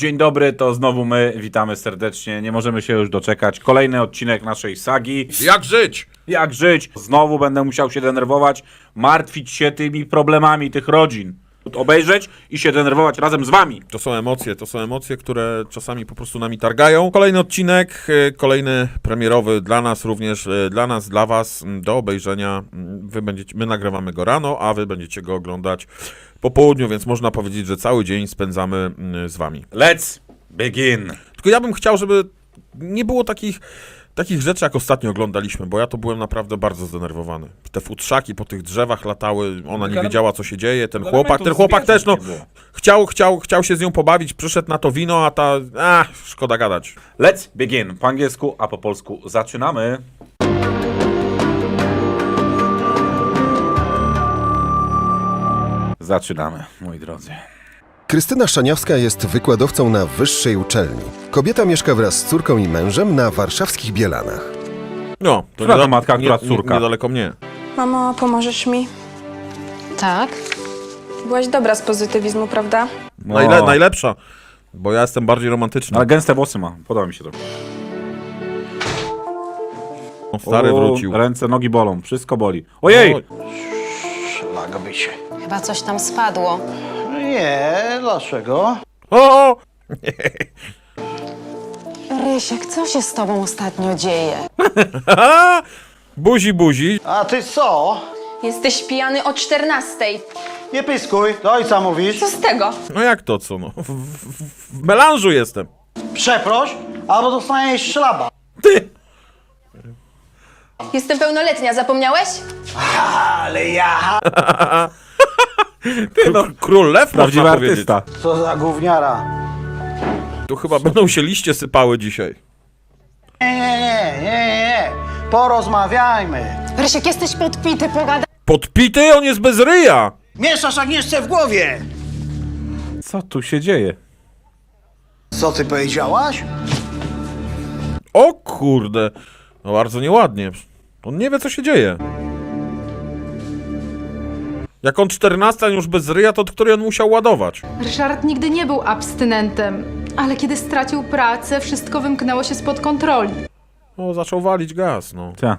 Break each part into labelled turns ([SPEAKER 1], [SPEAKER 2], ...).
[SPEAKER 1] Dzień dobry, to znowu my, witamy serdecznie, nie możemy się już doczekać. Kolejny odcinek naszej sagi.
[SPEAKER 2] Jak żyć?
[SPEAKER 1] Jak żyć? Znowu będę musiał się denerwować, martwić się tymi problemami tych rodzin. Obejrzeć i się denerwować razem z wami.
[SPEAKER 2] To są emocje, które czasami po prostu nami targają. Kolejny odcinek, kolejny premierowy dla nas również, dla nas, dla was, do obejrzenia. My nagrywamy go rano, a wy będziecie go oglądać po południu, więc można powiedzieć, że cały dzień spędzamy z wami.
[SPEAKER 1] Let's begin.
[SPEAKER 2] Tylko ja bym chciał, żeby nie było takich rzeczy, jak ostatnio oglądaliśmy, bo ja to byłem naprawdę bardzo zdenerwowany. Te futrzaki po tych drzewach latały, ona nie wiedziała, co się dzieje, ten chłopak też, no, chciał się z nią pobawić, przyszedł na to wino, a ta, szkoda gadać.
[SPEAKER 1] Let's begin. Po angielsku, a po polsku zaczynamy. Zaczynamy, moi drodzy.
[SPEAKER 3] Krystyna Szaniawska jest wykładowcą na wyższej uczelni. Kobieta mieszka wraz z córką i mężem na warszawskich Bielanach.
[SPEAKER 2] No, to
[SPEAKER 1] Która to matka, która córka?
[SPEAKER 2] Niedaleko mnie.
[SPEAKER 4] Mamo, pomożesz mi?
[SPEAKER 5] Tak?
[SPEAKER 4] Byłaś dobra z pozytywizmu, prawda?
[SPEAKER 2] Najlepsza, bo ja jestem bardziej romantyczny.
[SPEAKER 1] Ale gęste włosy ma, podoba mi się to.
[SPEAKER 2] Stary wrócił.
[SPEAKER 1] Ręce, nogi bolą, wszystko boli. Ojej!
[SPEAKER 6] Szlak by się.
[SPEAKER 5] Chyba coś tam spadło.
[SPEAKER 6] Nie, dlaczego?
[SPEAKER 2] O!
[SPEAKER 5] Rysiek, co się z tobą ostatnio dzieje?
[SPEAKER 2] Buzi.
[SPEAKER 6] A ty co?
[SPEAKER 4] Jesteś pijany o 14:00.
[SPEAKER 6] Nie pyskuj, do ojca mówisz.
[SPEAKER 4] Co z tego?
[SPEAKER 2] No jak to co, no? W melanżu jestem.
[SPEAKER 6] Przeproś, albo dostaniesz szlaba.
[SPEAKER 2] Ty!
[SPEAKER 4] Jestem pełnoletnia, zapomniałeś?
[SPEAKER 6] Ale ja...
[SPEAKER 1] Ty, no,
[SPEAKER 2] Król lew,
[SPEAKER 1] prawdziwy
[SPEAKER 2] można powiedzieć.
[SPEAKER 1] artysta.
[SPEAKER 6] Co za gówniara.
[SPEAKER 2] Tu chyba będą się liście sypały dzisiaj.
[SPEAKER 6] Nie. Porozmawiajmy.
[SPEAKER 5] Rysiek, jesteś podpity, pogadaj.
[SPEAKER 2] Podpity? On jest bez ryja!
[SPEAKER 6] Mieszasz Agnieszce w głowie.
[SPEAKER 1] Co tu się dzieje?
[SPEAKER 6] Co ty powiedziałaś?
[SPEAKER 2] O kurde! No bardzo nieładnie. On nie wie, co się dzieje. Jak on 14 już bez ryja, to od której on musiał ładować?
[SPEAKER 7] Ryszard nigdy nie był abstynentem, ale kiedy stracił pracę, wszystko wymknęło się spod kontroli.
[SPEAKER 2] O, zaczął walić gaz, no.
[SPEAKER 1] Ta.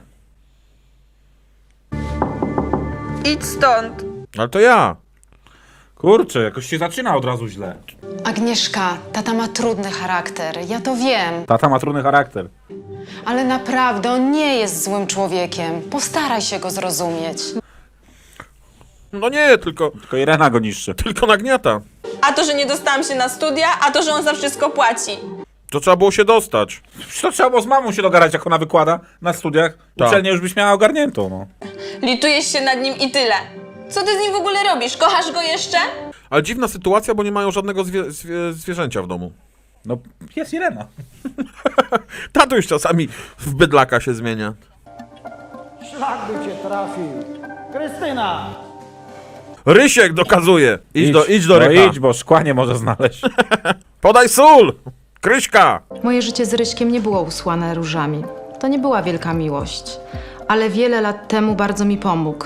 [SPEAKER 4] Idź stąd.
[SPEAKER 2] Ale to ja.
[SPEAKER 1] Kurczę, jakoś się zaczyna od razu źle.
[SPEAKER 5] Agnieszka, tata ma trudny charakter, ja to wiem.
[SPEAKER 1] Tata ma trudny charakter.
[SPEAKER 5] Ale naprawdę, on nie jest złym człowiekiem. Postaraj się go zrozumieć.
[SPEAKER 2] No nie, tylko
[SPEAKER 1] Irena go niszczy.
[SPEAKER 2] nagniata.
[SPEAKER 8] A to, że nie dostałam się na studia, a to, że on za wszystko płaci.
[SPEAKER 2] To trzeba było się dostać.
[SPEAKER 1] To trzeba było z mamą się dogadać, jak ona wykłada na studiach.
[SPEAKER 2] Tak.
[SPEAKER 1] Uczelnię już byś miała ogarniętą, no.
[SPEAKER 8] Litujesz się nad nim i tyle. Co ty z nim w ogóle robisz? Kochasz go jeszcze?
[SPEAKER 2] Ale dziwna sytuacja, bo nie mają żadnego zwierzęcia w domu.
[SPEAKER 1] No, jest Irena.
[SPEAKER 2] Tato już czasami w bydlaka się zmienia.
[SPEAKER 6] Szlak by cię trafił. Krystyna.
[SPEAKER 2] Rysiek dokazuje. Idź do
[SPEAKER 1] no
[SPEAKER 2] Ryka.
[SPEAKER 1] idź, bo szkła nie może znaleźć.
[SPEAKER 2] Podaj sól! Kryśka!
[SPEAKER 7] Moje życie z Ryśkiem nie było usłane różami. To nie była wielka miłość, ale wiele lat temu bardzo mi pomógł.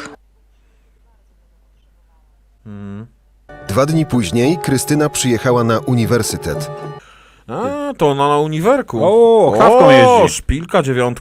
[SPEAKER 3] 2 dni później Krystyna przyjechała na uniwersytet.
[SPEAKER 2] A, to ona na uniwerku.
[SPEAKER 1] O, kawką jeździ.
[SPEAKER 2] O, szpilka 9.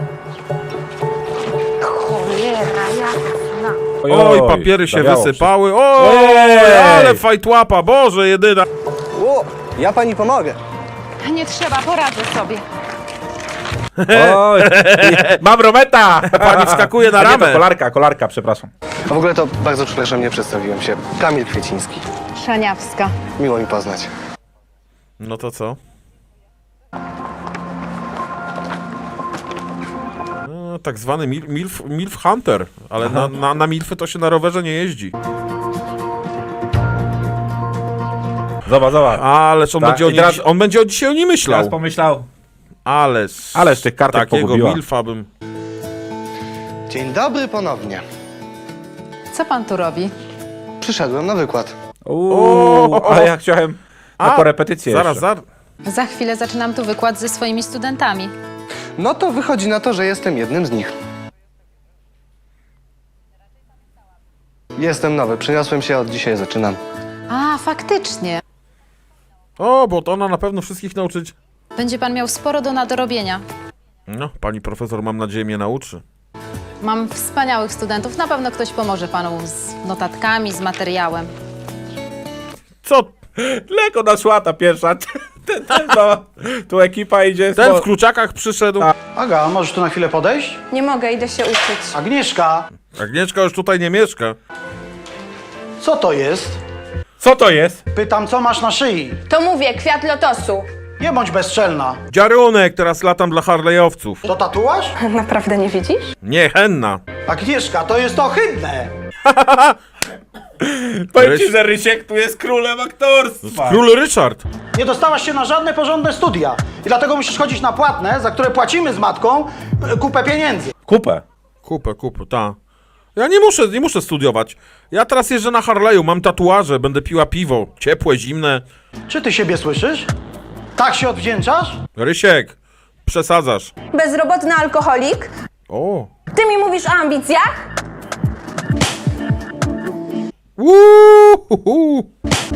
[SPEAKER 2] Oj, papiery się
[SPEAKER 1] zawiało
[SPEAKER 2] wysypały. Oj,
[SPEAKER 1] Ojej!
[SPEAKER 2] ale fajtłapa, Boże, jedyna.
[SPEAKER 9] O, ja pani pomogę.
[SPEAKER 7] Nie trzeba, poradzę sobie.
[SPEAKER 1] Oj, mam rometa!
[SPEAKER 2] Pani wskakuje na
[SPEAKER 1] A nie, to
[SPEAKER 2] ramę.
[SPEAKER 1] kolarka, przepraszam.
[SPEAKER 9] A w ogóle to bardzo przepraszam, nie przedstawiłem się. Kamil Kwieciński.
[SPEAKER 7] Szaniawska.
[SPEAKER 9] Miło mi poznać.
[SPEAKER 2] No to co? No, tak zwany milf hunter, ale na milfy to się na rowerze nie jeździ.
[SPEAKER 1] Zobacz.
[SPEAKER 2] Ależ
[SPEAKER 1] Tak, i teraz-
[SPEAKER 2] on będzie dzisiaj o niej myślał.
[SPEAKER 1] Teraz pomyślał,
[SPEAKER 2] Ależ
[SPEAKER 1] tych kartek
[SPEAKER 2] takiego
[SPEAKER 1] pogubiła.
[SPEAKER 2] milfa bym...
[SPEAKER 9] Dzień dobry ponownie.
[SPEAKER 7] Co pan tu robi?
[SPEAKER 9] Przyszedłem na wykład.
[SPEAKER 1] ale ja chciałem na korepetycję
[SPEAKER 2] Zaraz,
[SPEAKER 1] jeszcze.
[SPEAKER 7] Za chwilę zaczynam tu wykład ze swoimi studentami.
[SPEAKER 9] No to wychodzi na to, że jestem jednym z nich. Jestem nowy, przyniosłem się, od dzisiaj zaczynam.
[SPEAKER 7] A, faktycznie.
[SPEAKER 2] O, bo to ona na pewno wszystkich nauczyć.
[SPEAKER 7] Będzie pan miał sporo do nadrobienia.
[SPEAKER 2] No, pani profesor, mam nadzieję, mnie nauczy.
[SPEAKER 7] Mam wspaniałych studentów, na pewno ktoś pomoże panu z notatkami, z materiałem.
[SPEAKER 2] Co?
[SPEAKER 1] Leko naszła ta pierwsza. No, tu ekipa idzie.
[SPEAKER 2] Ten w kluczakach przyszedł.
[SPEAKER 6] Aga, możesz tu na chwilę podejść?
[SPEAKER 4] Nie mogę, idę się uczyć.
[SPEAKER 6] Agnieszka,
[SPEAKER 2] Agnieszka już tutaj nie mieszka.
[SPEAKER 6] co to jest?
[SPEAKER 1] Co to jest?
[SPEAKER 6] Pytam, co masz na szyi?
[SPEAKER 4] To mówię, kwiat lotosu.
[SPEAKER 6] Nie bądź bezczelna.
[SPEAKER 2] Dziarunek, teraz latam dla Harley'owców.
[SPEAKER 6] To tatuaż?
[SPEAKER 4] Naprawdę nie widzisz?
[SPEAKER 2] Nie, henna.
[SPEAKER 6] Agnieszka, to jest ohydne.
[SPEAKER 1] Powiem ci, że Rysiek tu jest królem aktorstwa.
[SPEAKER 2] Król Ryszard.
[SPEAKER 6] Nie dostałaś się na żadne porządne studia. I dlatego musisz chodzić na płatne, za które płacimy z matką kupę pieniędzy.
[SPEAKER 1] Kupę.
[SPEAKER 2] Kupę, ta. Ja nie muszę studiować. Ja teraz jeżdżę na Harley'u, mam tatuaże, będę piła piwo. Ciepłe, zimne.
[SPEAKER 6] Czy ty siebie słyszysz? Tak się odwdzięczasz?
[SPEAKER 2] Rysiek, przesadzasz.
[SPEAKER 4] Bezrobotny alkoholik?
[SPEAKER 2] O.
[SPEAKER 4] Ty mi mówisz o ambicjach?
[SPEAKER 2] Uuuu.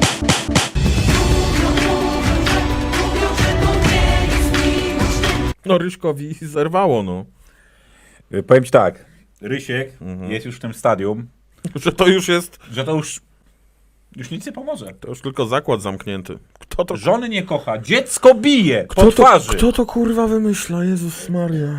[SPEAKER 2] No Ryśkowi zerwało, no.
[SPEAKER 1] Powiem ci tak. Rysiek jest już w tym stadium,
[SPEAKER 2] Że to już jest,
[SPEAKER 1] że to już nic nie pomoże.
[SPEAKER 2] to już tylko zakład zamknięty. Kto to,
[SPEAKER 1] Żony nie kocha, dziecko bije po twarzy.
[SPEAKER 2] kto to kurwa wymyśla? Jezus Maria.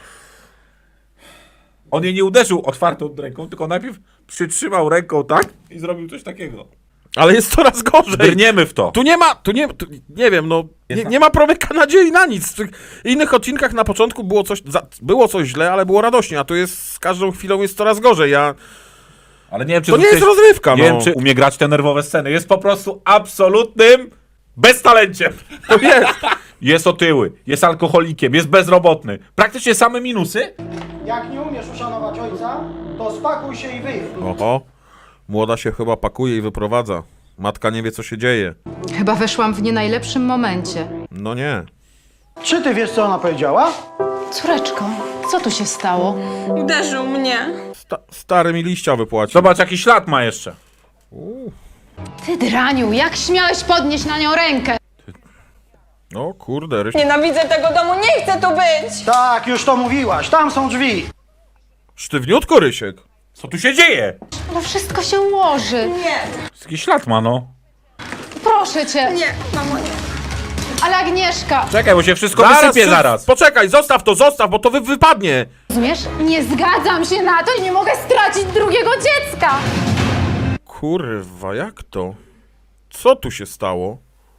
[SPEAKER 1] On jej nie uderzył otwartą ręką, tylko najpierw przytrzymał ręką tak i zrobił coś takiego.
[SPEAKER 2] Ale jest coraz gorzej.
[SPEAKER 1] Brniemy w to.
[SPEAKER 2] Tu nie wiem, no, nie ma promyka nadziei na nic. W tych innych odcinkach na początku było coś źle, ale było radośnie, a tu jest, z każdą chwilą jest coraz gorzej,
[SPEAKER 1] Ale nie wiem, czy
[SPEAKER 2] to nie jest rozrywka,
[SPEAKER 1] Nie
[SPEAKER 2] no.
[SPEAKER 1] wiem, czy umie grać te nerwowe sceny. Jest po prostu absolutnym beztalenciem.
[SPEAKER 2] To jest.
[SPEAKER 1] Jest otyły, jest alkoholikiem, jest bezrobotny. Praktycznie same minusy.
[SPEAKER 6] Jak nie umiesz uszanować ojca, to spakuj się i wyjdź.
[SPEAKER 2] Oho, młoda się chyba pakuje i wyprowadza. Matka nie wie, co się dzieje.
[SPEAKER 7] Chyba weszłam w nie najlepszym momencie.
[SPEAKER 2] No nie.
[SPEAKER 6] Czy ty wiesz, co ona powiedziała?
[SPEAKER 5] Córeczko, co tu się stało?
[SPEAKER 8] Uderzył mnie.
[SPEAKER 2] Stary mi liścia wypłacił.
[SPEAKER 1] Zobacz, jaki ślad ma jeszcze.
[SPEAKER 7] Ty draniu, jak śmiałeś podnieść na nią rękę?
[SPEAKER 2] O kurde, Ryś...
[SPEAKER 8] Nienawidzę tego domu, nie chcę tu być!
[SPEAKER 6] Tak, już to mówiłaś, tam są drzwi.
[SPEAKER 2] Sztywniutko, Rysiek.
[SPEAKER 1] Co tu się dzieje?
[SPEAKER 7] No wszystko się ułoży.
[SPEAKER 1] Jaki ślad ma, no.
[SPEAKER 7] Proszę cię.
[SPEAKER 8] Nie, mamo, nie.
[SPEAKER 7] Ale Agnieszka,
[SPEAKER 1] Czekaj, bo się wszystko wysypie zaraz.
[SPEAKER 2] Poczekaj, zostaw, bo to wypadnie.
[SPEAKER 7] rozumiesz? Nie zgadzam się na to i nie mogę stracić drugiego dziecka.
[SPEAKER 2] Kurwa, jak to? Co tu się stało?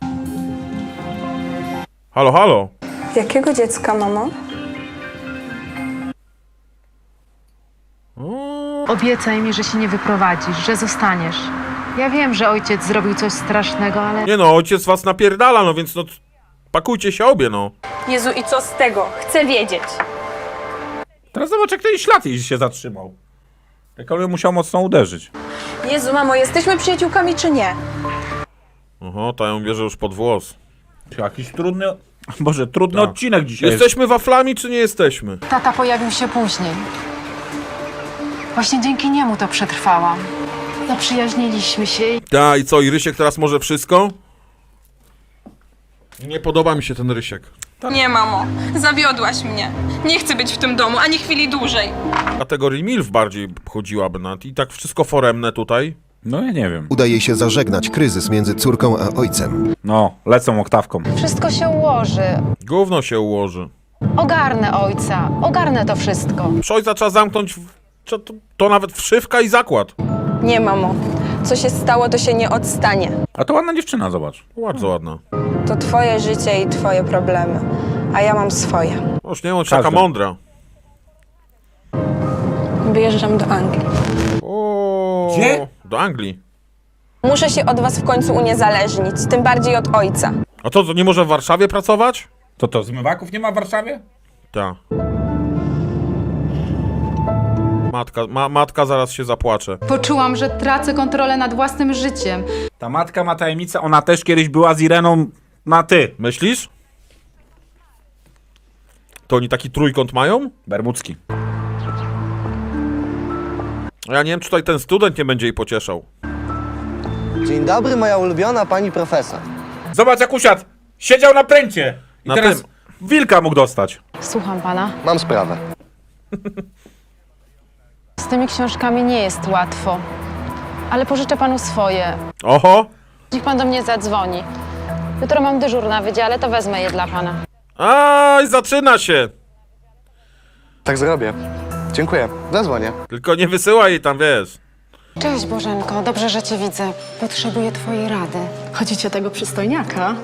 [SPEAKER 2] Halo, halo.
[SPEAKER 4] Jakiego dziecka, mamo?
[SPEAKER 7] Obiecaj mi, że się nie wyprowadzisz, że zostaniesz. Ja wiem, że ojciec zrobił coś strasznego, ale...
[SPEAKER 2] Nie no, ojciec was napierdala, no więc no... Pakujcie się obie, no.
[SPEAKER 8] Jezu, i co z tego? Chcę wiedzieć.
[SPEAKER 1] Teraz zobacz, jak ten ślad jej się zatrzymał. Jak on ją musiał mocno uderzyć.
[SPEAKER 8] Jezu, mamo, jesteśmy przyjaciółkami czy nie?
[SPEAKER 2] Oho, ta ją bierze już pod włos.
[SPEAKER 1] Jakiś trudny... Boże, trudny
[SPEAKER 2] Tak.
[SPEAKER 1] odcinek dzisiaj jest.
[SPEAKER 2] Jesteśmy waflami, czy nie jesteśmy?
[SPEAKER 7] Tata pojawił się później. Właśnie dzięki niemu to przetrwałam. Zaprzyjaźniliśmy się i...
[SPEAKER 2] Ta, i co, i Rysiek teraz może wszystko? Nie podoba mi się ten Rysiek.
[SPEAKER 8] Nie, mamo, zawiodłaś mnie. Nie chcę być w tym domu, ani chwili dłużej.
[SPEAKER 2] Kategorii MILF bardziej chodziłaby na... I tak wszystko foremne tutaj.
[SPEAKER 1] No ja nie wiem.
[SPEAKER 3] Udaje się zażegnać kryzys między córką a ojcem.
[SPEAKER 1] No, lecą oktawką.
[SPEAKER 7] Wszystko się ułoży.
[SPEAKER 2] Gówno się ułoży.
[SPEAKER 7] Ogarnę ojca. Ogarnę to wszystko.
[SPEAKER 2] Przy ojca trzeba zamknąć... To nawet wszywka i zakład.
[SPEAKER 8] Nie, mamo. Co się stało, to się nie odstanie.
[SPEAKER 1] A to ładna dziewczyna, zobacz.
[SPEAKER 2] Bardzo ładna.
[SPEAKER 8] To twoje życie i twoje problemy, a ja mam swoje.
[SPEAKER 2] Już nie bądź taka
[SPEAKER 1] Każdy.
[SPEAKER 2] mądra.
[SPEAKER 8] Wyjeżdżam do Anglii.
[SPEAKER 2] O,
[SPEAKER 1] Gdzie?
[SPEAKER 2] Do Anglii.
[SPEAKER 8] Muszę się od was w końcu uniezależnić, tym bardziej od ojca.
[SPEAKER 2] A to nie może w Warszawie pracować?
[SPEAKER 1] To zmywaków nie ma w Warszawie?
[SPEAKER 2] Tak. Matka zaraz się zapłacze.
[SPEAKER 7] Poczułam, że tracę kontrolę nad własnym życiem.
[SPEAKER 1] Ta matka ma tajemnicę, ona też kiedyś była z Ireną na ty.
[SPEAKER 2] Myślisz? To oni taki trójkąt mają?
[SPEAKER 1] Bermudzki.
[SPEAKER 2] Ja nie wiem, czy tutaj ten student nie będzie jej pocieszał.
[SPEAKER 9] Dzień dobry, moja ulubiona pani profesor.
[SPEAKER 1] Zobacz jak usiadł. Siedział na pręcie. I
[SPEAKER 2] Na
[SPEAKER 1] teraz
[SPEAKER 2] tym.
[SPEAKER 1] wilka mógł dostać.
[SPEAKER 5] Słucham pana.
[SPEAKER 9] Mam sprawę.
[SPEAKER 5] Z tymi książkami nie jest łatwo. Ale pożyczę panu swoje.
[SPEAKER 2] Oho!
[SPEAKER 5] Niech pan do mnie zadzwoni. Jutro mam dyżur na wydziale, to wezmę je dla pana.
[SPEAKER 2] Aj, zaczyna się!
[SPEAKER 9] Tak zrobię. Dziękuję. Zadzwonię.
[SPEAKER 2] Tylko nie wysyłaj jej tam, wiesz.
[SPEAKER 5] Cześć Bożenko, dobrze, że cię widzę. Potrzebuję twojej rady.
[SPEAKER 10] Chodzicie tego przystojniaka?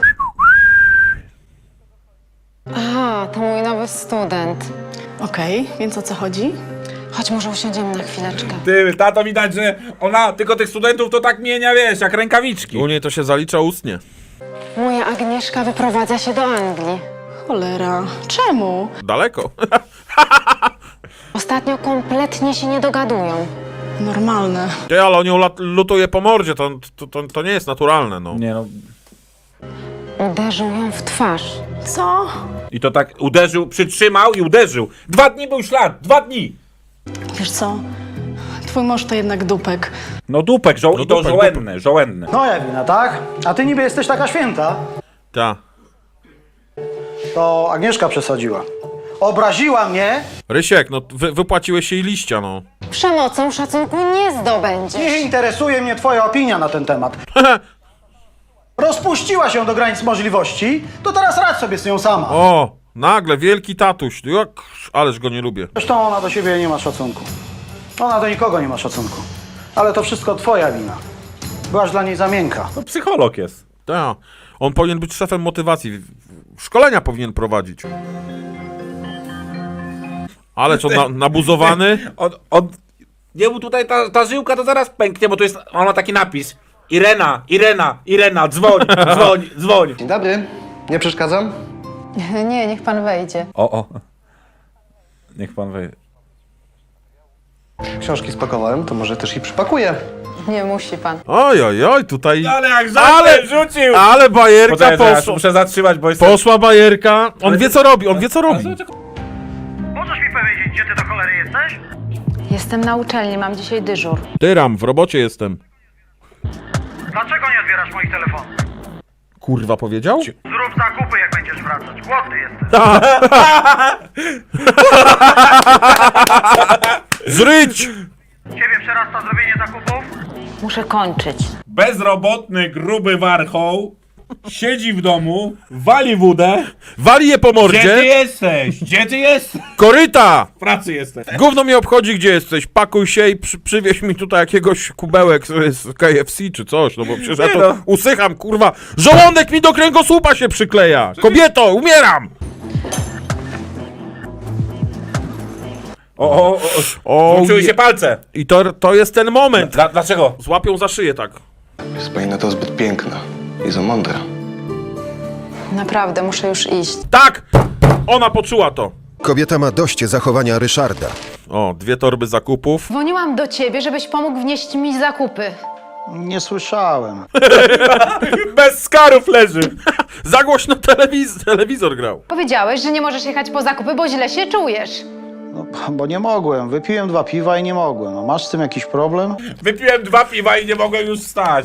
[SPEAKER 5] A, to mój nowy student.
[SPEAKER 10] Okej, więc o co chodzi?
[SPEAKER 5] Chodź, może usiądziemy na chwileczkę.
[SPEAKER 1] Ty, tato, widać, że ona tylko tych studentów to tak mienia, wiesz, jak rękawiczki.
[SPEAKER 2] U niej to się zalicza ustnie.
[SPEAKER 5] Moja Agnieszka wyprowadza się do Anglii.
[SPEAKER 10] Cholera, czemu?
[SPEAKER 2] Daleko.
[SPEAKER 5] Ostatnio kompletnie się nie dogadują.
[SPEAKER 10] Normalne.
[SPEAKER 2] Ty, ale on ją lutuje po mordzie, to nie jest naturalne, no.
[SPEAKER 1] Nie no.
[SPEAKER 5] Uderzył ją w twarz.
[SPEAKER 10] Co?
[SPEAKER 1] I to tak uderzył, przytrzymał i uderzył. 2 dni był ślad, 2 dni.
[SPEAKER 10] Wiesz co? Twój mąż to jednak dupek.
[SPEAKER 1] No dupek,
[SPEAKER 2] No
[SPEAKER 1] i to
[SPEAKER 2] dupek,
[SPEAKER 1] żołędny.
[SPEAKER 6] Moja wina, tak? A ty niby jesteś taka święta.
[SPEAKER 2] Ta.
[SPEAKER 6] To Agnieszka przesadziła. Obraziła mnie.
[SPEAKER 2] Rysiek, no wypłaciłeś jej liścia, no.
[SPEAKER 5] Przemocą szacunku nie zdobędziesz.
[SPEAKER 6] Nie interesuje mnie twoja opinia na ten temat. Rozpuściła się do granic możliwości, to teraz radź sobie z nią sama.
[SPEAKER 2] O, nagle, wielki tatuś. Ależ go nie lubię.
[SPEAKER 6] Zresztą ona do siebie nie ma szacunku. Ona do nikogo nie ma szacunku. Ale to wszystko twoja wina. Byłaś dla niej za miękka.
[SPEAKER 1] To psycholog jest.
[SPEAKER 2] Ta. On powinien być szefem motywacji. Szkolenia powinien prowadzić. Ale co, nabuzowany?
[SPEAKER 1] Nie, bo tutaj ta żyłka to zaraz pęknie, bo to jest, on ma taki napis. Irena, dzwoń.
[SPEAKER 9] Dzień dobry. Nie przeszkadzam?
[SPEAKER 5] Nie, niech pan wejdzie.
[SPEAKER 1] O. Niech pan wejdzie.
[SPEAKER 9] Książki spakowałem, to może też i przypakuję.
[SPEAKER 5] Nie musi pan.
[SPEAKER 2] Oj, tutaj...
[SPEAKER 1] Ale jak żadne rzucił!
[SPEAKER 2] Ale bajerka
[SPEAKER 1] Poczekaj, zaraz,
[SPEAKER 2] poszła.
[SPEAKER 1] muszę zatrzymać, bo jest...
[SPEAKER 2] Poszła bajerka. On wie co robi, on wie co robi.
[SPEAKER 6] Możesz mi powiedzieć, gdzie ty do cholery jesteś?
[SPEAKER 7] Jestem na uczelni, mam dzisiaj dyżur.
[SPEAKER 2] Tyram, w robocie jestem.
[SPEAKER 6] Dlaczego nie odbierasz moich telefonów?
[SPEAKER 2] Kurwa powiedział?
[SPEAKER 6] Zrób zakupy, jak będziesz wracać. Głodny jesteś.
[SPEAKER 2] Zryć!
[SPEAKER 6] Ciebie przerasta zrobienie zakupów?
[SPEAKER 7] Muszę kończyć.
[SPEAKER 1] Bezrobotny, gruby warchoł siedzi w domu, wali wódę.
[SPEAKER 2] Wali je po
[SPEAKER 1] Gdzie ty
[SPEAKER 2] mordzie.
[SPEAKER 1] jesteś? Gdzie ty jesteś?
[SPEAKER 2] Koryta!
[SPEAKER 1] W pracy jesteś.
[SPEAKER 2] Gówno mnie obchodzi, gdzie jesteś. Pakuj się i przywieź mi tutaj jakiegoś kubełek z KFC czy coś, no bo przecież ja
[SPEAKER 1] Nie
[SPEAKER 2] to
[SPEAKER 1] no.
[SPEAKER 2] usycham, kurwa. Żołądek mi do kręgosłupa się przykleja. Kobieto, umieram!
[SPEAKER 1] Złączyły się palce.
[SPEAKER 2] I to jest ten moment.
[SPEAKER 1] Dlaczego?
[SPEAKER 2] Złapią za szyję tak.
[SPEAKER 9] Jest pani na to zbyt piękna i za mądra.
[SPEAKER 5] Naprawdę, muszę już iść.
[SPEAKER 2] Tak! Ona poczuła to.
[SPEAKER 3] Kobieta ma dość zachowania Ryszarda.
[SPEAKER 2] O, 2 torby zakupów.
[SPEAKER 7] Dzwoniłam do ciebie, żebyś pomógł wnieść mi zakupy.
[SPEAKER 6] Nie słyszałem.
[SPEAKER 1] Bez skarów leży.
[SPEAKER 2] Za głośno telewizor grał.
[SPEAKER 7] Powiedziałeś, że nie możesz jechać po zakupy, bo źle się czujesz.
[SPEAKER 6] No, bo nie mogłem. Wypiłem 2 piwa i nie mogłem. No, masz z tym jakiś problem?
[SPEAKER 1] Wypiłem 2 piwa i nie mogłem już wstać.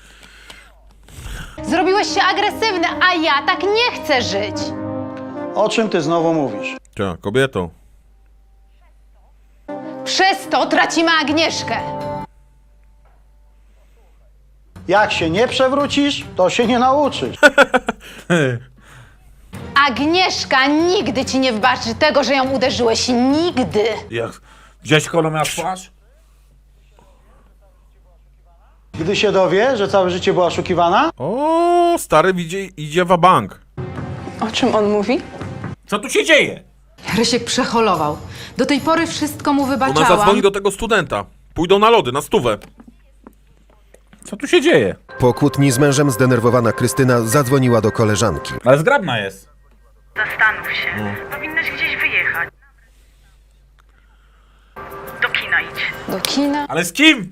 [SPEAKER 7] Zrobiłeś się agresywny, a ja tak nie chcę żyć.
[SPEAKER 6] O czym ty znowu mówisz?
[SPEAKER 2] Cia, kobieto.
[SPEAKER 7] Przez to tracimy Agnieszkę.
[SPEAKER 6] Jak się nie przewrócisz, to się nie nauczysz.
[SPEAKER 7] Agnieszka nigdy ci nie wybaczy tego, że ją uderzyłeś. Nigdy.
[SPEAKER 1] Jak? Gdzieś jak ona miała twarz?
[SPEAKER 6] Gdy się dowie, że całe życie była oszukiwana,
[SPEAKER 2] O, stary idzie w bank.
[SPEAKER 10] O czym on mówi?
[SPEAKER 1] Co tu się dzieje?
[SPEAKER 7] Rysiek przeholował. Do tej pory wszystko mu
[SPEAKER 2] Ona
[SPEAKER 7] wybaczałam.
[SPEAKER 2] zadzwoni do tego studenta. Pójdą na lody, na stówę.
[SPEAKER 1] Co tu się dzieje?
[SPEAKER 3] Po kłótni z mężem zdenerwowana Krystyna zadzwoniła do koleżanki.
[SPEAKER 1] Ale zgrabna jest.
[SPEAKER 11] Zastanów się. Powinnaś gdzieś wyjechać. Do kina idź.
[SPEAKER 5] Do kina?
[SPEAKER 1] Ale z kim?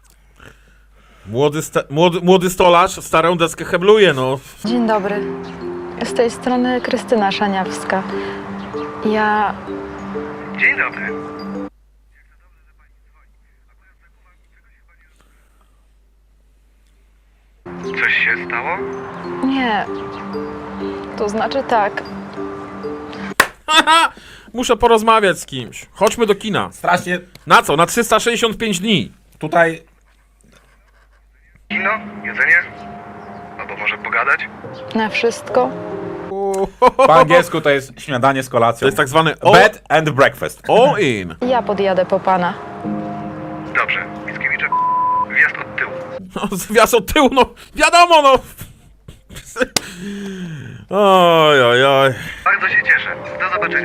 [SPEAKER 2] Młody stolarz starą deskę hebluje, no.
[SPEAKER 10] Dzień dobry. Z tej strony Krystyna Szaniawska. Ja...
[SPEAKER 11] Dzień dobry. Coś się stało?
[SPEAKER 10] Nie. To znaczy tak.
[SPEAKER 2] Muszę porozmawiać z kimś. Chodźmy do kina.
[SPEAKER 1] Strasznie
[SPEAKER 2] Na co? Na 365 dni.
[SPEAKER 1] tutaj...
[SPEAKER 11] Kino? Jedzenie? Albo może pogadać?
[SPEAKER 10] Na wszystko?
[SPEAKER 1] Po angielsku to jest śniadanie z kolacją.
[SPEAKER 2] To jest tak zwany
[SPEAKER 1] Bed and breakfast.
[SPEAKER 2] all in.
[SPEAKER 10] Ja podjadę po pana.
[SPEAKER 11] Dobrze. Mickiewicza, wjazd od tyłu.
[SPEAKER 2] No, zwias od tyłu, no wiadomo, no. Oj, oj, oj.
[SPEAKER 11] Bardzo się cieszę. Do zobaczenia.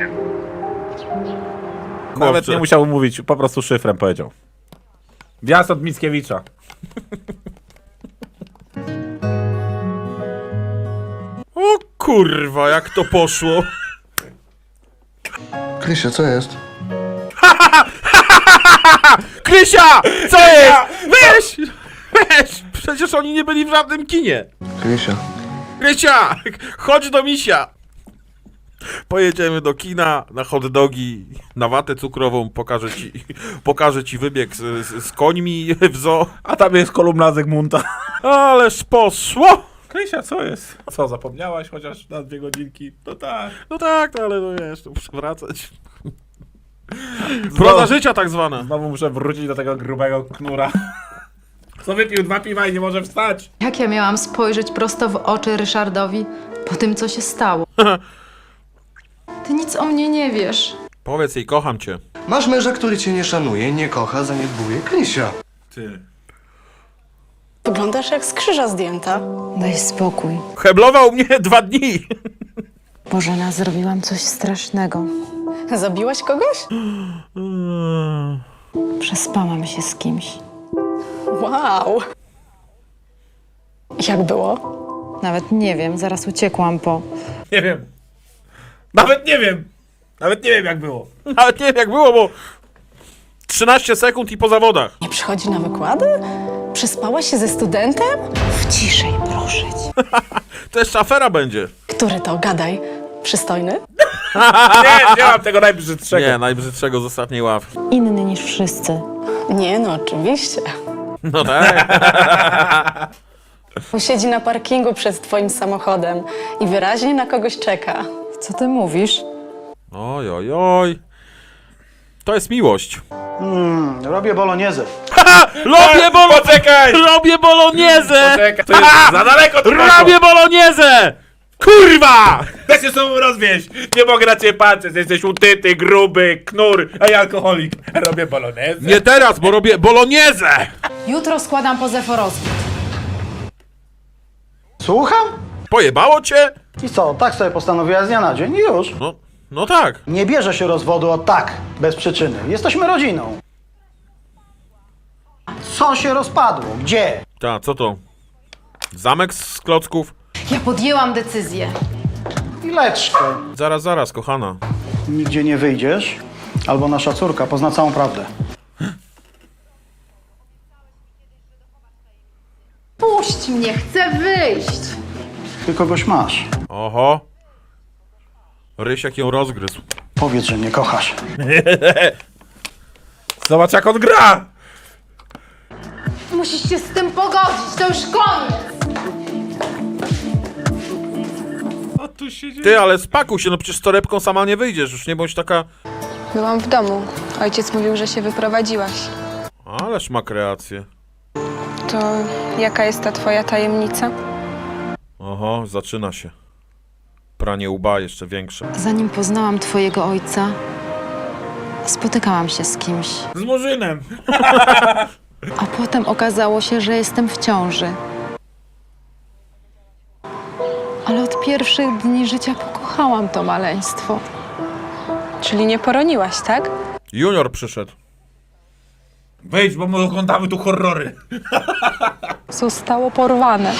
[SPEAKER 1] Nawet
[SPEAKER 2] Chłopcze.
[SPEAKER 1] nie musiał mówić, po prostu szyfrem powiedział. Wjazd od Mickiewicza.
[SPEAKER 2] O kurwa, jak to poszło.
[SPEAKER 3] Krysia, co jest?
[SPEAKER 2] Krysia! Co jest? Weź! Weź! Przecież oni nie byli w żadnym kinie.
[SPEAKER 3] Krysia.
[SPEAKER 2] Krysia! Chodź do misia! Pojedziemy do kina, na hot dogi, na watę cukrową, pokażę ci wybieg z końmi w zoo.
[SPEAKER 1] A tam jest kolumna Zygmunta.
[SPEAKER 2] Ależ poszło!
[SPEAKER 1] Krysia, co jest? Co, zapomniałaś chociaż na 2 godzinki? No tak.
[SPEAKER 2] No tak, no ale no wiesz, to muszę wracać. Proza życia tak zwana.
[SPEAKER 1] Znowu muszę wrócić do tego grubego knura. Co wypił 2 piwa i nie może wstać?
[SPEAKER 7] Jak ja miałam spojrzeć prosto w oczy Ryszardowi po tym, co się stało? Ty nic o mnie nie wiesz.
[SPEAKER 2] Powiedz jej, kocham cię.
[SPEAKER 9] Masz męża, który cię nie szanuje, nie kocha, zaniedbuje. Krysia.
[SPEAKER 1] Ty.
[SPEAKER 5] Wyglądasz jak z krzyża zdjęta.
[SPEAKER 7] Daj spokój.
[SPEAKER 2] Heblował mnie 2 dni.
[SPEAKER 7] Bożena, zrobiłam coś strasznego.
[SPEAKER 5] Zabiłaś kogoś?
[SPEAKER 7] Przespałam się z kimś.
[SPEAKER 5] Wow. Jak było?
[SPEAKER 7] Nawet nie wiem, zaraz uciekłam po...
[SPEAKER 1] Nie wiem. Nawet nie wiem. Nawet nie wiem jak było.
[SPEAKER 2] Nawet nie wiem jak było, bo 13 sekund i po zawodach.
[SPEAKER 5] Nie przychodzi na wykłady? Przespałaś się ze studentem?
[SPEAKER 7] Ciszej, proszę cię.
[SPEAKER 2] To jeszcze afera będzie.
[SPEAKER 5] Który to? Gadaj. Przystojny?
[SPEAKER 1] Nie mam tego najbrzydszego.
[SPEAKER 2] Nie, najbrzydszego z ostatniej ławki.
[SPEAKER 7] Inny niż wszyscy.
[SPEAKER 5] Nie, no oczywiście.
[SPEAKER 2] No tak.
[SPEAKER 5] Siedzi na parkingu przed twoim samochodem i wyraźnie na kogoś czeka.
[SPEAKER 7] Co ty mówisz?
[SPEAKER 2] Oj, oj, oj. To jest miłość.
[SPEAKER 6] Robię bolognese.
[SPEAKER 1] Poczekaj!
[SPEAKER 2] Robię boloniezę!
[SPEAKER 1] Poczekaj, to jest za daleko to
[SPEAKER 2] Robię boloniezę! Kurwa!
[SPEAKER 1] Da się sobą rozwieść! Nie mogę na ciebie patrzeć, jesteś utyty, gruby, knur, a ja alkoholik. Robię polonezę.
[SPEAKER 2] Nie teraz, bo robię boloniezę!
[SPEAKER 7] Jutro składam pozew o rozwód.
[SPEAKER 6] Słucham?
[SPEAKER 2] Pojebało cię?
[SPEAKER 6] I co, tak sobie postanowiła z dnia na dzień i już.
[SPEAKER 2] No tak.
[SPEAKER 6] Nie bierze się rozwodu od tak, bez przyczyny. Jesteśmy rodziną. Co się rozpadło? Gdzie?
[SPEAKER 2] Ta, co to? Zamek z klocków?
[SPEAKER 7] Ja podjęłam decyzję.
[SPEAKER 6] Chwileczkę.
[SPEAKER 2] Zaraz, kochana.
[SPEAKER 6] Nigdzie nie wyjdziesz, albo nasza córka pozna całą prawdę.
[SPEAKER 7] Puść mnie, chcę wyjść.
[SPEAKER 6] Ty kogoś masz.
[SPEAKER 2] Oho. Rysiek ją rozgryzł.
[SPEAKER 6] Powiedz, że mnie kochasz.
[SPEAKER 1] Zobacz jak on gra!
[SPEAKER 7] Musisz się z tym pogodzić, to już koniec.
[SPEAKER 1] Co tu się dzieje?
[SPEAKER 2] Ty, ale spakuj się, no przecież z torebką sama nie wyjdziesz, już nie bądź taka...
[SPEAKER 10] Byłam w domu. Ojciec mówił, że się wyprowadziłaś.
[SPEAKER 2] Ależ ma kreację.
[SPEAKER 10] To jaka jest ta twoja tajemnica?
[SPEAKER 2] Oho, zaczyna się. Pranie łba jeszcze większe.
[SPEAKER 7] Zanim poznałam twojego ojca, spotykałam się z kimś.
[SPEAKER 1] Z Murzynem.
[SPEAKER 7] A potem okazało się, że jestem w ciąży. Ale od pierwszych dni życia pokochałam to maleństwo.
[SPEAKER 10] Czyli nie poroniłaś, tak?
[SPEAKER 2] Junior przyszedł.
[SPEAKER 1] Wejdź, bo my oglądamy tu horrory.
[SPEAKER 10] Zostało porwane.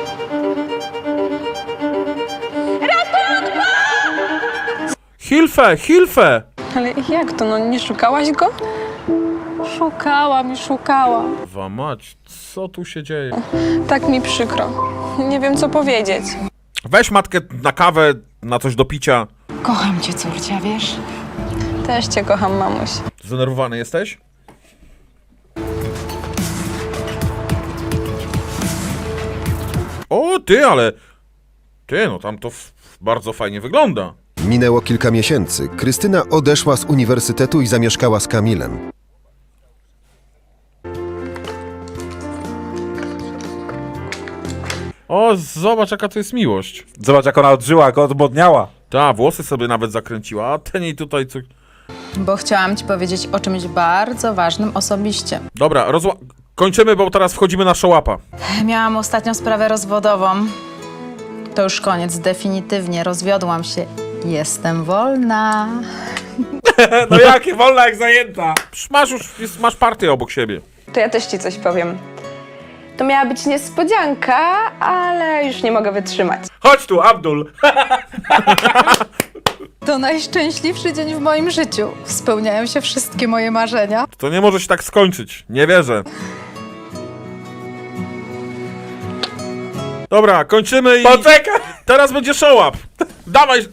[SPEAKER 2] Hilfe!
[SPEAKER 10] Ale jak to? No nie szukałaś go? Szukałam i szukałam.
[SPEAKER 2] Wa mać, co tu się dzieje?
[SPEAKER 10] Tak mi przykro. Nie wiem, co powiedzieć.
[SPEAKER 2] Weź matkę na kawę, na coś do picia.
[SPEAKER 7] Kocham cię, córcia, wiesz?
[SPEAKER 10] Też cię kocham, mamuś.
[SPEAKER 2] Zdenerwowany jesteś? O, ty, ale... Ty, no tam to bardzo fajnie wygląda.
[SPEAKER 3] Minęło kilka miesięcy. Krystyna odeszła z uniwersytetu i zamieszkała z Kamilem.
[SPEAKER 2] O, zobacz jaka to jest miłość.
[SPEAKER 1] Zobacz, jak ona odżyła, jak odmodniała.
[SPEAKER 2] Ta, włosy sobie nawet zakręciła, a ten jej tutaj...
[SPEAKER 7] Bo chciałam ci powiedzieć o czymś bardzo ważnym osobiście.
[SPEAKER 2] Dobra, kończymy, bo teraz wchodzimy na szołapa.
[SPEAKER 7] Miałam ostatnią sprawę rozwodową. To już koniec, definitywnie rozwiodłam się. Jestem wolna.
[SPEAKER 1] No jakie, wolna jak zajęta.
[SPEAKER 2] Masz partię obok siebie.
[SPEAKER 4] To ja też ci coś powiem. To miała być niespodzianka, ale już nie mogę wytrzymać.
[SPEAKER 1] Chodź tu, Abdul.
[SPEAKER 7] To najszczęśliwszy dzień w moim życiu. Spełniają się wszystkie moje marzenia.
[SPEAKER 2] To nie może się tak skończyć. Nie wierzę. Dobra, kończymy i...
[SPEAKER 1] Poczekaj.
[SPEAKER 2] Teraz będzie szołap. Dawaj.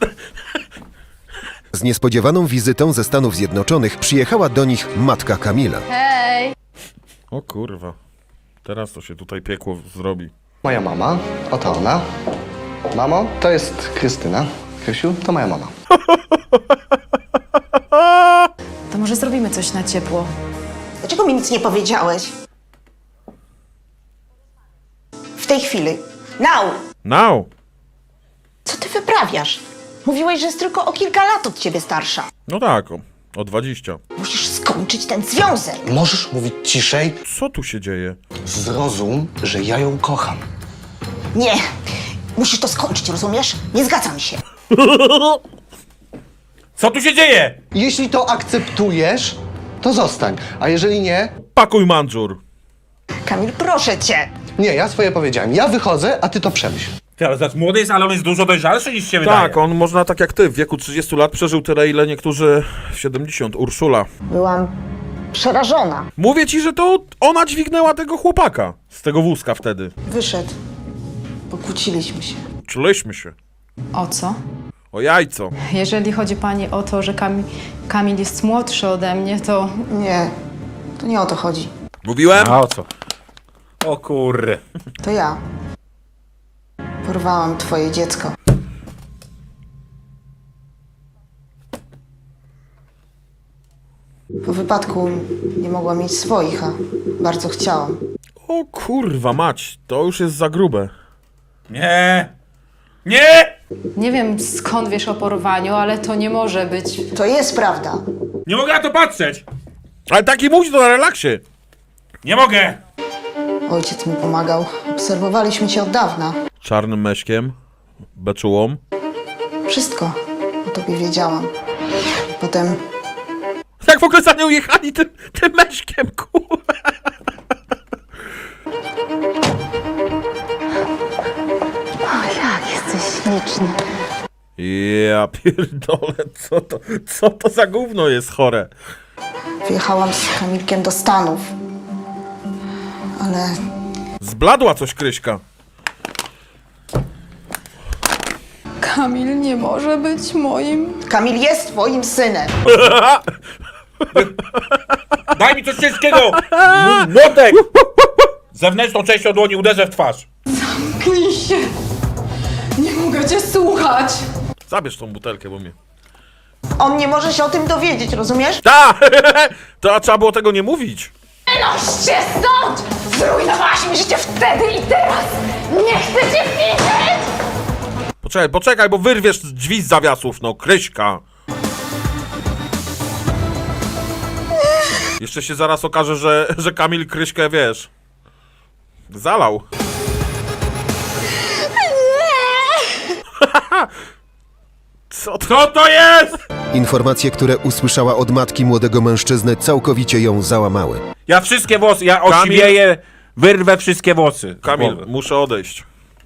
[SPEAKER 3] Z niespodziewaną wizytą ze Stanów Zjednoczonych przyjechała do nich matka Kamila.
[SPEAKER 7] Hej!
[SPEAKER 2] O kurwa. Teraz to się tutaj piekło zrobi.
[SPEAKER 9] Moja mama, oto ona. Mamo, to jest Krystyna. Krysiu, to moja mama.
[SPEAKER 5] To może zrobimy coś na ciepło.
[SPEAKER 12] Dlaczego mi nic nie powiedziałeś? W tej chwili.
[SPEAKER 2] Now.
[SPEAKER 12] Co ty wyprawiasz? Mówiłeś, że jest tylko o kilka lat od ciebie starsza.
[SPEAKER 2] No tak, o 20.
[SPEAKER 12] Musisz skończyć ten związek.
[SPEAKER 9] Możesz mówić ciszej?
[SPEAKER 2] Co tu się dzieje?
[SPEAKER 9] Zrozum, że ja ją kocham.
[SPEAKER 12] Nie. Musisz to skończyć, rozumiesz? Nie zgadzam się.
[SPEAKER 1] Co tu się dzieje?
[SPEAKER 9] Jeśli to akceptujesz, to zostań. A jeżeli nie...
[SPEAKER 2] Pakuj mandżur.
[SPEAKER 12] Kamil, proszę cię.
[SPEAKER 9] Nie, ja swoje powiedziałem. Ja wychodzę, a ty to przemyśl.
[SPEAKER 1] Ty, ale zaraz młody jest, ale on jest dużo dojrzalszy niż się wydaje.
[SPEAKER 2] Tak, on można tak jak ty, w wieku 30 lat przeżył tyle, ile niektórzy w 70. Urszula.
[SPEAKER 12] Byłam przerażona.
[SPEAKER 2] Mówię ci, że to ona dźwignęła tego chłopaka z tego wózka wtedy.
[SPEAKER 12] Wyszedł. Pokłóciliśmy się.
[SPEAKER 2] Czuliśmy się.
[SPEAKER 7] O co?
[SPEAKER 2] O jajco.
[SPEAKER 7] Jeżeli chodzi pani o to, że Kamil jest młodszy ode mnie, to
[SPEAKER 12] Nie. To nie o to chodzi.
[SPEAKER 2] Mówiłem?
[SPEAKER 1] A o co? O kurry.
[SPEAKER 12] To ja. Porwałam twoje dziecko. Po wypadku nie mogłam mieć swoich, a bardzo chciałam.
[SPEAKER 2] O kurwa mać, to już jest za grube.
[SPEAKER 1] Nie. Nie!
[SPEAKER 7] nie wiem skąd wiesz o porwaniu, ale to nie może być.
[SPEAKER 12] To jest prawda.
[SPEAKER 1] Nie mogę na to patrzeć.
[SPEAKER 2] Ale taki mówić to na relaksie.
[SPEAKER 1] Nie mogę.
[SPEAKER 12] Ojciec mi pomagał. Obserwowaliśmy cię od dawna.
[SPEAKER 2] Czarnym meśkiem, beczułą.
[SPEAKER 12] Wszystko o tobie wiedziałam. Potem
[SPEAKER 2] Jak w ogóle za nią jechali tym meśkiem, kurwa.
[SPEAKER 12] jak jesteś śliczny.
[SPEAKER 2] Ja pierdolę, co to za gówno jest chore?
[SPEAKER 12] Wyjechałam z Kamilkiem do Stanów. Ale
[SPEAKER 2] Zbladła coś Kryśka.
[SPEAKER 7] Kamil nie może być moim.
[SPEAKER 12] Kamil jest twoim synem.
[SPEAKER 1] Daj mi coś ciężkiego. Młotek. Zewnętrzną częścią dłoni uderzę w twarz.
[SPEAKER 7] Klij się! Nie mogę cię słuchać!
[SPEAKER 2] Zabierz tą butelkę, bo mnie...
[SPEAKER 12] On nie może się o tym dowiedzieć, rozumiesz?
[SPEAKER 2] Ta! To trzeba było tego nie mówić.
[SPEAKER 12] Noście stąd! Zrujnowałaś mi życie wtedy i teraz! Nie chcę cię widzieć!
[SPEAKER 2] Poczekaj, bo wyrwiesz drzwi z zawiasów, no, Kryśka. Jeszcze się zaraz okaże, że Kamil Kryśkę, wiesz, zalał. Co to jest?
[SPEAKER 3] Informacje, które usłyszała od matki młodego mężczyzny, całkowicie ją załamały.
[SPEAKER 1] Ja wszystkie włosy, ja osiwieję, wyrwę wszystkie włosy.
[SPEAKER 2] Kamil, muszę odejść.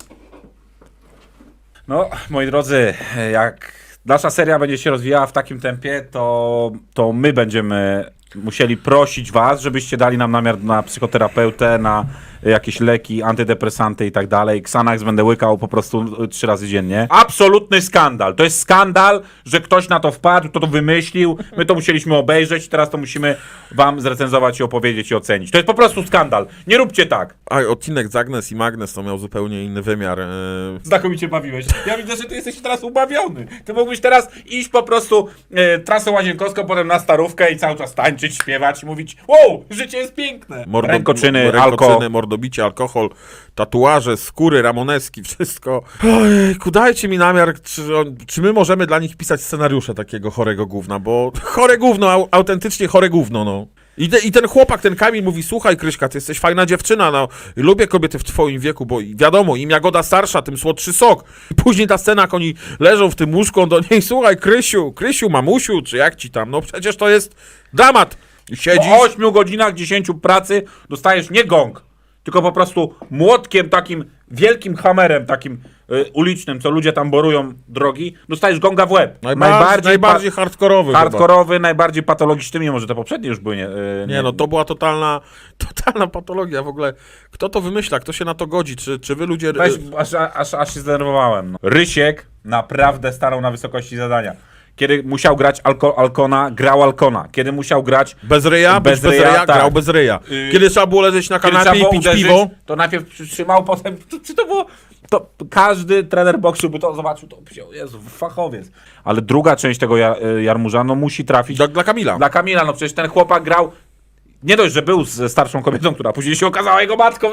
[SPEAKER 1] No, moi drodzy, jak nasza seria będzie się rozwijała w takim tempie, to my będziemy musieli prosić was, żebyście dali nam namiar na psychoterapeutę, na jakieś leki, antydepresanty i tak dalej. Xanax będę łykał po prostu 3 razy dziennie. Absolutny skandal. To jest skandal, że ktoś na to wpadł, kto to wymyślił. My to musieliśmy obejrzeć, teraz to musimy wam zrecenzować i opowiedzieć i ocenić. To jest po prostu skandal. Nie róbcie tak.
[SPEAKER 2] A odcinek z Agnes i Magnes to miał zupełnie inny wymiar.
[SPEAKER 1] Znakomicie bawiłeś. Ja widzę, że ty jesteś teraz ubawiony. Ty mógłbyś teraz iść po prostu trasą łazienkowską, potem na Starówkę i cały czas tańczyć, śpiewać i mówić: wow, życie jest piękne. Rękoczyny,
[SPEAKER 2] mordobicie, alkohol, tatuaże, skóry, ramoneski, wszystko. Ojejku, dajcie mi namiar, czy my możemy dla nich pisać scenariusze takiego chorego gówna, bo chore gówno, autentycznie chore gówno, no. I ten chłopak, ten Kamil mówi: słuchaj, Kryśka, ty jesteś fajna dziewczyna, no, lubię kobiety w twoim wieku, bo wiadomo, im jagoda starsza, tym słodszy sok. I później ta scena, jak oni leżą w tym łóżku, on do niej: słuchaj, Krysiu, mamusiu, czy jak ci tam, no przecież to jest dramat. I siedzisz...
[SPEAKER 1] Po 8 godzinach 10 pracy dostajesz nie gong, tylko po prostu młotkiem takim, wielkim hamerem takim ulicznym, co ludzie tam borują drogi, dostajesz gonga w łeb.
[SPEAKER 2] Najbardziej hardkorowy.
[SPEAKER 1] Hardkorowy, najbardziej patologiczny, mimo że te poprzednie już były
[SPEAKER 2] nie, no to była totalna patologia w ogóle. Kto to wymyśla? Kto się na to godzi? Czy wy ludzie...
[SPEAKER 1] Weź, aż się zdenerwowałem. No. Rysiek naprawdę starał na wysokości zadania. Kiedy musiał grać Alkona, grał Alkona. Kiedy musiał grać...
[SPEAKER 2] Bez ryja,
[SPEAKER 1] tak.
[SPEAKER 2] grał bez ryja. Kiedy trzeba było leżeć na kanapie i pić
[SPEAKER 1] uderzyć,
[SPEAKER 2] piwo...
[SPEAKER 1] to najpierw przytrzymał, potem... Czy to było... To każdy trener boksu by to zobaczył, to powiedział: Jezu, fachowiec. Ale druga część tego Jarmuża, no musi trafić...
[SPEAKER 2] Dla Kamila.
[SPEAKER 1] Dla Kamila, no przecież ten chłopak grał... Nie dość, że był ze starszą kobietą, która później się okazała jego matką.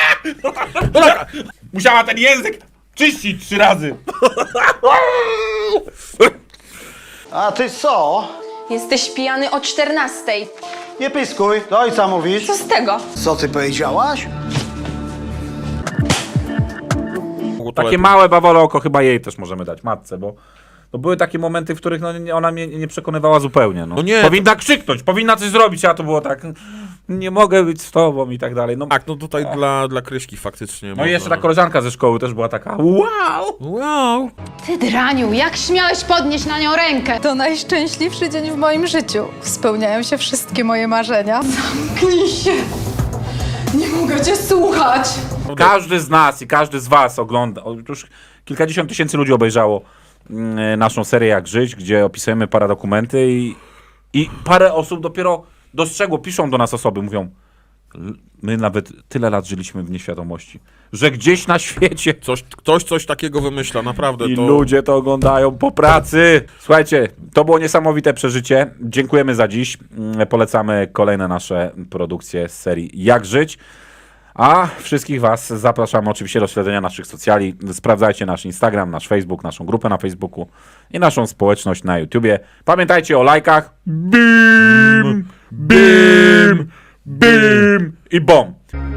[SPEAKER 1] Musiała ten język czyścić 3 razy.
[SPEAKER 6] A ty co?
[SPEAKER 8] Jesteś pijany o 14.
[SPEAKER 6] Nie pyskuj, do ojca mówisz.
[SPEAKER 8] Co z tego?
[SPEAKER 6] Co ty powiedziałaś?
[SPEAKER 1] Takie małe bawole oko chyba jej też możemy dać, matce, bo były takie momenty, w których ona mnie nie przekonywała zupełnie. No.
[SPEAKER 2] No nie,
[SPEAKER 1] powinna krzyknąć, powinna coś zrobić, a to było tak: nie mogę być z tobą i tak dalej. No,
[SPEAKER 2] tak, no tutaj dla Kryśki faktycznie.
[SPEAKER 1] no i jeszcze ta koleżanka ze szkoły też była taka: wow!
[SPEAKER 5] Ty draniu, jak śmiałeś podnieść na nią rękę?
[SPEAKER 7] To najszczęśliwszy dzień w moim życiu. Spełniają się wszystkie moje marzenia.
[SPEAKER 12] Zamknij się! Nie mogę cię słuchać!
[SPEAKER 1] Każdy z nas i każdy z was ogląda, już kilkadziesiąt tysięcy ludzi obejrzało naszą serię Jak Żyć, gdzie opisujemy paradokumenty i parę osób dopiero dostrzegło, piszą do nas osoby, mówią: my nawet tyle lat żyliśmy w nieświadomości, że gdzieś na świecie
[SPEAKER 2] Ktoś coś takiego wymyśla, naprawdę.
[SPEAKER 1] i ludzie to oglądają po pracy. Słuchajcie, to było niesamowite przeżycie. Dziękujemy za dziś. Polecamy kolejne nasze produkcje z serii Jak Żyć. A wszystkich was zapraszamy oczywiście do śledzenia naszych socjali. Sprawdzajcie nasz Instagram, nasz Facebook, naszą grupę na Facebooku i naszą społeczność na YouTubie. Pamiętajcie o lajkach. Bim! Bim! Bim! I bom!